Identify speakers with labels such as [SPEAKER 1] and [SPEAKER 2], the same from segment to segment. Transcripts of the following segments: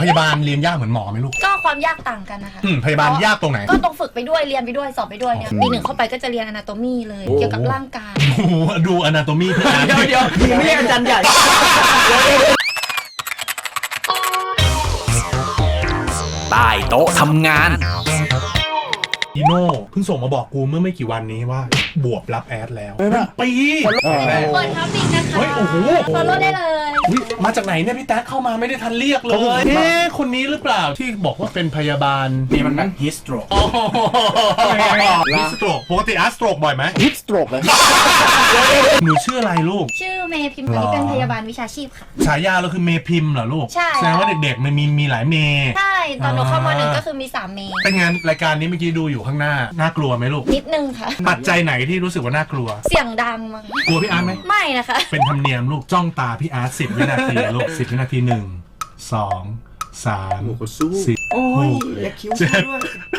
[SPEAKER 1] พยาบาลเรียนยากเหมือนหมอไหมลูก
[SPEAKER 2] ก็ความยากต่างกันนะคะ
[SPEAKER 1] พยาบาลยากตรงไหน
[SPEAKER 2] ก็ต้องฝึกไปด้วยเรียนไปด้วยสอบไปด้วยเนี่ยปีหนึ่งเข้าไปก็จะเรียนอนาโตมีเลยเกี่ยวกับร่างกาย
[SPEAKER 1] ดูอนาโตมีพี่
[SPEAKER 3] เดี๋ยวไม่เรียกอาจารย์ใหญ่
[SPEAKER 4] ใต้โต๊ะทำงาน
[SPEAKER 1] อีโน่เพิ่งส่งมาบอกกูเมื่อไม่กี่วันนี้ว่าบวบรับแอดแล้วปี
[SPEAKER 2] เปิดทับบิกนะคะ
[SPEAKER 1] เฮ้ยโอ้โห
[SPEAKER 2] ฟอลโล่ได้เลย
[SPEAKER 1] มาจากไหนเนี่ยพี่แต๊กเข้ามาไม่ได้ทันเรียกเลยคนนี้หรือเปล่าที่บอกว่าเป็นพยาบาล
[SPEAKER 3] นี่มันนั่งฮิสโตรก
[SPEAKER 1] ฮิสโตรกปกติอาร์สโตรกบ่อยไหม
[SPEAKER 3] ฮิสโตรกเลย
[SPEAKER 1] หนูชื่ออะไรลูก
[SPEAKER 2] ชื่อเมย์พิมพ์นี้เป็นพยาบาลวิชาชีพค่ะ
[SPEAKER 1] ฉายาเราคือเมย์พิมพ์เหรอลูก
[SPEAKER 2] ใช่
[SPEAKER 1] แสดงว่าเด็กๆมันมีหลายเมย์
[SPEAKER 2] ใช่ตอนหนูเข้ามา1ก็คือมี3เมย์
[SPEAKER 1] เป็นไงรายการนี้เมื่อกี้ดูอยู่ข้างหน้าน่ากลัวไหมลูก
[SPEAKER 2] นิดนึงค่ะ
[SPEAKER 1] ปัจจัยไหนที่รู้สึกว่าน่ากลัว
[SPEAKER 2] เสียงดังมั้ง
[SPEAKER 1] กลัวพี่อาร์ตไหม
[SPEAKER 2] ไม่นะคะ
[SPEAKER 1] เป็นธรรมเนียมลูกจ้องตาพี่อาร์ต10 วินาทีลูก10 วินาที1 2 3 4
[SPEAKER 3] โอ้ยอย่าคิ้วด้วย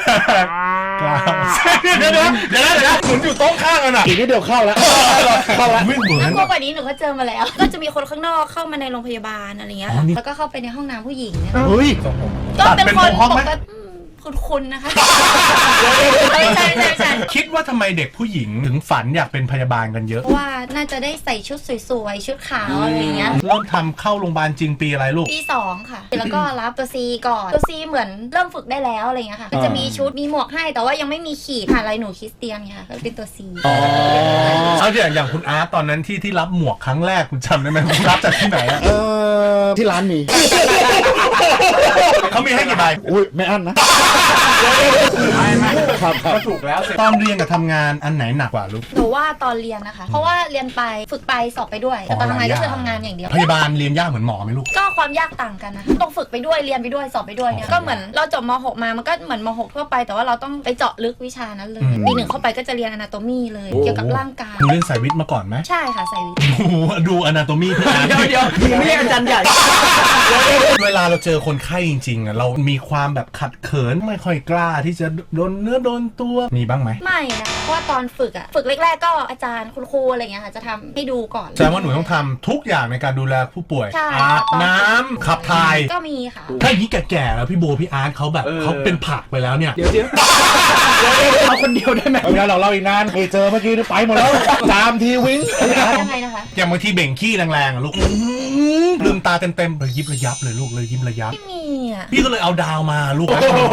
[SPEAKER 1] เดี๋ยวหมุนอยู่โต๊ะข้างกันอ่ะ
[SPEAKER 3] อีกนิดเดียวเข้าแล้ว
[SPEAKER 1] ไม่เหมือน
[SPEAKER 2] น่ากลัวกว่านี้หนูก็เจอมาแล้วก็จะมีคนข้างนอกเข้ามาในโรงพยาบาลอะไรเงี้ยแล้วก็เข้าไปในห้องน้ำผู้หญิงเนี่ยก็เป็นคนปกติคุณนะคะใช่
[SPEAKER 1] คิดว่าทำไมเด็กผู้หญิงถึงฝันอยากเป็นพยาบาลกันเยอะ
[SPEAKER 2] เพราะว่าน่าจะได้ใส่ชุดสวยๆชุดขาวอะไรเงี้ย
[SPEAKER 1] เริ่มทำเข้าโรงพยาบาลจริงปีอะไรลูก
[SPEAKER 2] ปี2ค่ะแล้วก็รับตัว C ก่อนตัว C เหมือนเริ่มฝึกได้แล้วอะไรเงี้ยค่ะก็จะมีชุดมีหมวกให้แต่ว่ายังไม่มีขีดอะไรหนูคริสเตียนไงค่ะก็เป็นตัว C
[SPEAKER 1] เอาอย่างคุณอาร์ตตอนนั้นที่รับหมวกครั้งแรกคุณจำได้ไหมคุณรับจากที่ไหน
[SPEAKER 3] ที่ร้านมี
[SPEAKER 1] เขามีให้กี่ใบ
[SPEAKER 3] อุ้ยไม่อั้นนะ
[SPEAKER 1] ครับถูกแล้วตอนเรียนกับทำงานอันไหนหนักกว่าลูก
[SPEAKER 2] หนูว่าตอนเรียนนะคะเพราะว่าเรียนไปฝึกไปสอบไปด้วยแต่ตอนทำงานก็คือทำงานอย่างเดียว
[SPEAKER 1] พยาบาลเรียนยากเหมือนหมอไหมลูก
[SPEAKER 2] ก็ความยากต่างกันนะคะต้องฝึกไปด้วยเรียนไปด้วยสอบไปด้วยเนี่ยก็เหมือนเราจบม.6 มามันก็เหมือนม.6 ทั่วไปแต่ว่าเราต้องไปเจาะลึกวิชานั้นเลยปีหนึ่งเข้าไปก็จะเรียนอนาโตมีเลยเกี่ยวกับร่างกาย
[SPEAKER 1] หนูเรียนสายวิทย์มาก่อนไหม
[SPEAKER 2] ใช่ค่ะสายวิทย์
[SPEAKER 1] ดูอนาโตมีพี่
[SPEAKER 3] เดี๋ยวไม่เรียกอาจารย์ใหญ่
[SPEAKER 1] เวลาเราเจอคนไข้จริงๆเรามีความแบบขัดเขินไม่ค่อยกล้าที่จะโดนเนื้อโดนตัวมีบ้างไหม
[SPEAKER 2] ไม่นะเพราะว่าตอนฝึกแรกๆก็อาจารย์คุณครูอะไรเงี้ยค่ะจะทำให้ดูก่อน
[SPEAKER 1] แสดงว่าหนูต้องทำทุกอย่างในการดูแลผู้ป่วยอาบน้ำขับถ่าย
[SPEAKER 2] ก็มีค่ะ
[SPEAKER 1] ถ้าอย่างนี้แก่ๆแล้วพี่โบพี่อาร์ตเขาแบบเขาเป็นผักไปแล้วเนี่ย
[SPEAKER 3] เดี๋ยวเอาคนเดียวได้ไหมเวลาเราอีกนานเจอเมื่อกี้ไปหมดแล้วตามทีวิ่ง
[SPEAKER 2] ยังไงนะคะ
[SPEAKER 1] อย่างบางทีเบ่งขี้แรงๆลูกลืมตาเต็มๆเลยยิบระยับเลยลูกเลยยิ้มระยับ
[SPEAKER 2] ไม่มีอ่ะ
[SPEAKER 1] พี่ก็เลยเอาดาวมาลูก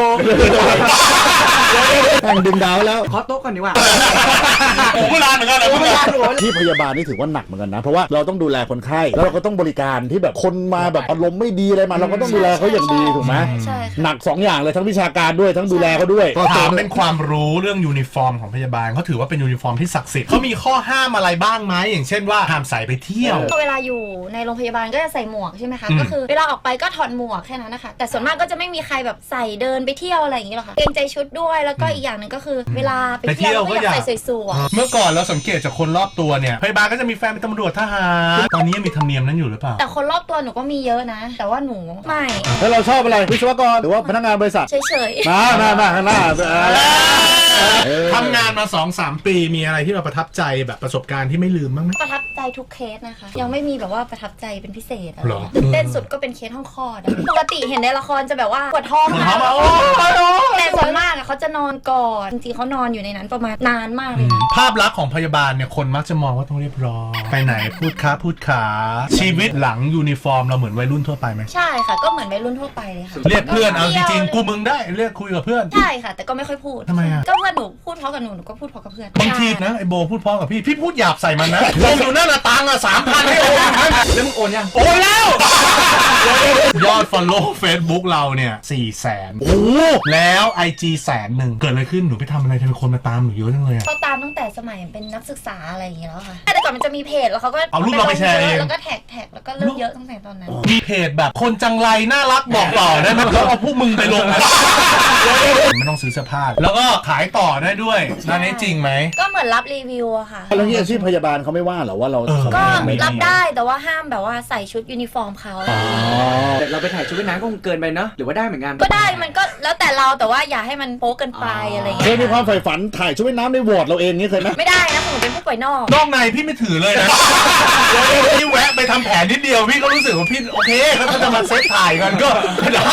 [SPEAKER 3] ดึงดาวแล้วขอโต๊ะก่อนดีกว่า
[SPEAKER 1] ผมเวลาเหมือนกัน
[SPEAKER 3] ที่พยาบาลนี่ถือว่าหนักเหมือนกันนะเพราะว่าเราต้องดูแลคนไข้แล้วเราก็ต้องบริการที่แบบคนมาแบบอารมณ์ไม่ดีอะไรมาเราก็ต้องดูแลเขาอย่างดีถูกไหมหนัก2อย่างเลยทั้งวิชาการด้วยทั้งดูแลเขาด้วย
[SPEAKER 1] ถามเป็นความรู้เรื่องยูนิฟอร์มของพยาบาลเขาถือว่าเป็นยูนิฟอร์มที่ศักดิ์สิทธิ์เขามีข้อห้ามอะไรบ้างไหมอย่างเช่นว่าห้ามใส่ไปเที่ยว
[SPEAKER 2] เวลาอยู่ในโรงพยาบาลก็จะใส่หมวกใช่ไหมคะก็คือเวลาออกไปก็ถอดหมวกแค่นั้นนะคะแต่ส่วนมากก็จะไม่มีใครแบบใส่เดินไปเที่ยวอะไรอย่างนี้หรอกค่ะเกรงใจชุดด้วยแล้วก็อีกอย่างนึงก็คือเวลาไปเที่ยวก็อยากใส่สวย
[SPEAKER 1] ๆเมื่อก่อนเราสังเกตจากคนรอบตัวเนี่ยพยาบาลก็จะมีแฟนเป็นตำรวจทหารตอนนี้ยังมีธรรมเนียมนั้นอยู่หรือเปล่า
[SPEAKER 2] แต่คนรอบตัวหนูก็มีเยอะนะแต่ว่าหนูไม่
[SPEAKER 3] แล้วเราชอบอะไรวิศวกรหรือว่าพนักงานบริษัท
[SPEAKER 2] เฉย
[SPEAKER 3] ๆน่า
[SPEAKER 1] ทำงานมา 2-3 ปีมีอะไรที่เราประทับใจแบบประสบการณ์ที่ไม่ลืมบ้างไหม
[SPEAKER 2] ประทับใจทุกเคสนะคะยังไม่มีแบบว่าประทับใจเป็นพิเศษอะไรตื่นเต้นสุดก็เป็นเคสห้องคลอดปกติเห็นในละครจะแบบว่าปวดท้องแต่ส่วนมากเขาจะนอนก่อนจริงๆเขานอนอยู่ในนั้นประมาณนานมากเลย
[SPEAKER 1] ภาพลักษณ์ของพยาบาลเนี่ยคนมักจะมองว่าต้องเรียบร้อยไปไหนพูดขาชีวิตหลังยูนิฟอร์มเราเหมือนวัยรุ่นทั่วไปไหม
[SPEAKER 2] ใช่ค่ะก็เหมือนวัยรุ่นทั่วไปเลยค่ะ
[SPEAKER 1] เรียกเพื่อนเอาจริงๆกูมึงได้เรียกคุยกับเพื่อน
[SPEAKER 2] ใช่ค่ะแต่ก็ไม่ค่อยพูด
[SPEAKER 1] ทำไมอ่ะ
[SPEAKER 2] ก็เพื่อนหนูพูดเพราะกับหนูก็พูดเพราะกับเพื่อน
[SPEAKER 1] บางทีนะไอโบพูดเพราะกับพี่พูดหยาบใส่มันนะโอนอยู่นั่นละตังค์3,000ให้โอน
[SPEAKER 3] แล้วมึงโอนยัง
[SPEAKER 1] โอนแล้วยอด follow Facebook เราเนี่ย400,000โอ้แล้ว IG 100,000เกิดอะไรขึ้นหนูไปทำอะไรทำไมคนมาตามหนูเยอะจังเลยอ่ะ
[SPEAKER 2] เขาตามตั้งแต่สมัยเป็นนักศึกษาอะไรอย่างเงี้ยแล้วค่ะแต่ก่อนมันจะมีเพจแล้วเขาก็
[SPEAKER 1] เอารูปเราไปแชร์เอง
[SPEAKER 2] แล้วก็แท็กแล้วก็เริ่มเยอะตั้งแต่ตอนนั้น
[SPEAKER 1] มีเพจแบบคนจังไรน่ารักบอกต่อได้ไหมแล้วเอาพวกมึงไปลงไม่ต้องซื้อเสื้อผ้าแล้วก็ขายต่อได้ด้วยนั่นนี่จริงไหม
[SPEAKER 2] ก็เหมือนรับรีวิวอะค่ะ
[SPEAKER 3] แล้วนี่อาชีพพยาบาลเขาไม่ว่าหรอว่าเรา
[SPEAKER 2] ก็รับได้แต่ว่าห้ามแบบว่าใส่ชุดยูนิฟอร์มเขา
[SPEAKER 3] แต่เราไปถ่ายชุดว่ายน้ำก็คงเกินไปเนาะหรือว่าได้เหมือนกัน
[SPEAKER 2] ก็ได้มันก็แล้วแต่เราแต่ว่าอย่าให้มันโป๊เกินไปอะไรอย่างเงี้ย
[SPEAKER 3] เคยมีความใฝ่ฝันถ่ายชุดว่ายน้ำในวอร์ดเราเองนี่เคยไหม
[SPEAKER 2] ไม่ได้นะผมเป็นผู้ป่วยนอก
[SPEAKER 1] ในพี่ไม่ถือเลยนะพี่แวะไปทำแผนนิดเดียวพี่ก็รู้สึกว่าพี่โอเคแล้วถ้าจะมาเซตถ่ายกันก็ได้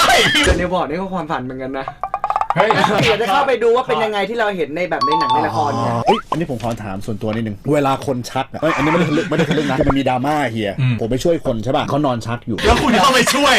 [SPEAKER 5] แต่ในบอร์ดนี่ก็ความฝันเหมือนกันนะ
[SPEAKER 1] เฮ้ย
[SPEAKER 5] อยากจะเข้าไปดูว่าเป็นยังไงที่เราเห็นในแบบในหนังในละครเนี่ย
[SPEAKER 3] เอ้ยอันนี้ผมขอถามส่วนตัวนิดนึงเวลาคนชักอะเอ้ยอันนี้ไม่ได้ทะลึ่งนะคือมันมีดราม่าเฮียผมไปช่วยคนใช่ป่ะเขานอนชักอยู่
[SPEAKER 1] แล้วคุณเข้าไปช่วย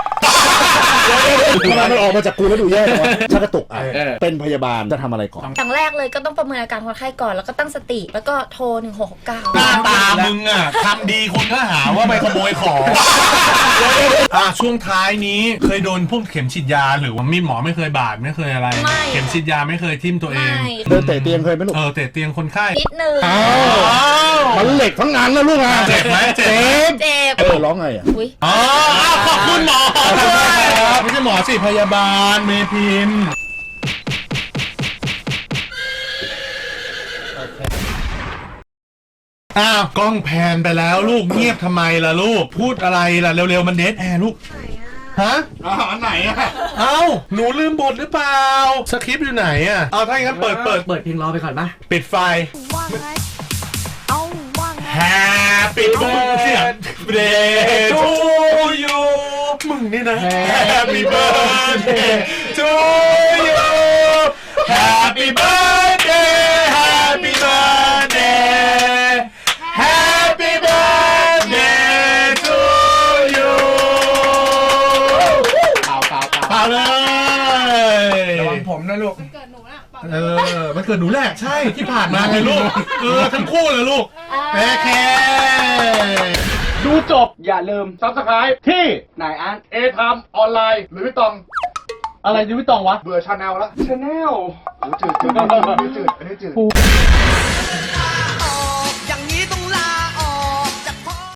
[SPEAKER 3] ทำไมมันออกมาจากกูแล้วดูแย่จังวะชักกระตุกอ่ะเป็นพยาบาลจะทำอะไรก่อน
[SPEAKER 2] อย่างแรกเลยก็ต้องประเมินอาการคนไข้ก่อนแล้วก็ตั้งสติแล้วก็โทร 1669
[SPEAKER 1] หน้าตามึงอ่ะทำดีคนก็หาว่าไปขโมยของช่วงท้ายนี้เคยโดนพวกเข็มฉีดยาหรือว่ามีดหมอไม่เคยบาดไม่เคยอะไร
[SPEAKER 2] ไม่
[SPEAKER 1] เข็มฉีดยาไม่เคยทิ่มตัวเอง
[SPEAKER 2] ไม่
[SPEAKER 3] เดินเตะเตียงเคยไหมลูก
[SPEAKER 1] เตะเตียงคนไข้
[SPEAKER 2] นิดนึง
[SPEAKER 3] อ้าวมันเหล็กทั้งงานนะลูกอ่ะ
[SPEAKER 1] เจ็บไหมเจ็บ
[SPEAKER 2] เจ็บ
[SPEAKER 3] ร้องไงอ่ะ
[SPEAKER 2] อุ้ย
[SPEAKER 1] ขอบคุณหมอไม่ใช่หมอสิพยาบาลเมพิมพ์กล้องแพนไปแล้วลูกเงียบทำไมล่ะลูกพูดอะไรล่ะเร็วๆมันเดทแอร์ลูกฮะอันไหนอ่ะหนูลืมบทหรือเปล่าสคริปต์อยู่ไหนอ่ะถ้าอย่างนั้นเปิด
[SPEAKER 5] เปิดเพลงรอไปก่อนปะ
[SPEAKER 1] ปิดไฟ
[SPEAKER 2] ว่าไงเอาว่าไง
[SPEAKER 1] Happy birthday to you มึงนี่นะ Happy birthday to you Happy birthday Happy birthday Happy birthday to you เปล่าเลย
[SPEAKER 5] ระวังผมนะลูก
[SPEAKER 1] มันเกิดหนูแหละใช่ที่ผ่านมาไงลูกทั้งคู่เลยลูกโอเค
[SPEAKER 6] ดูจบอย่าลืม Subscribe ที่
[SPEAKER 5] นายอาร์ต
[SPEAKER 6] เอทามออนไลน์หรือวิตอง อะไรหรือวิตองวะ เบื่อชาแนลแล้ว
[SPEAKER 5] ชาแนล
[SPEAKER 6] จืดอันนี้จืด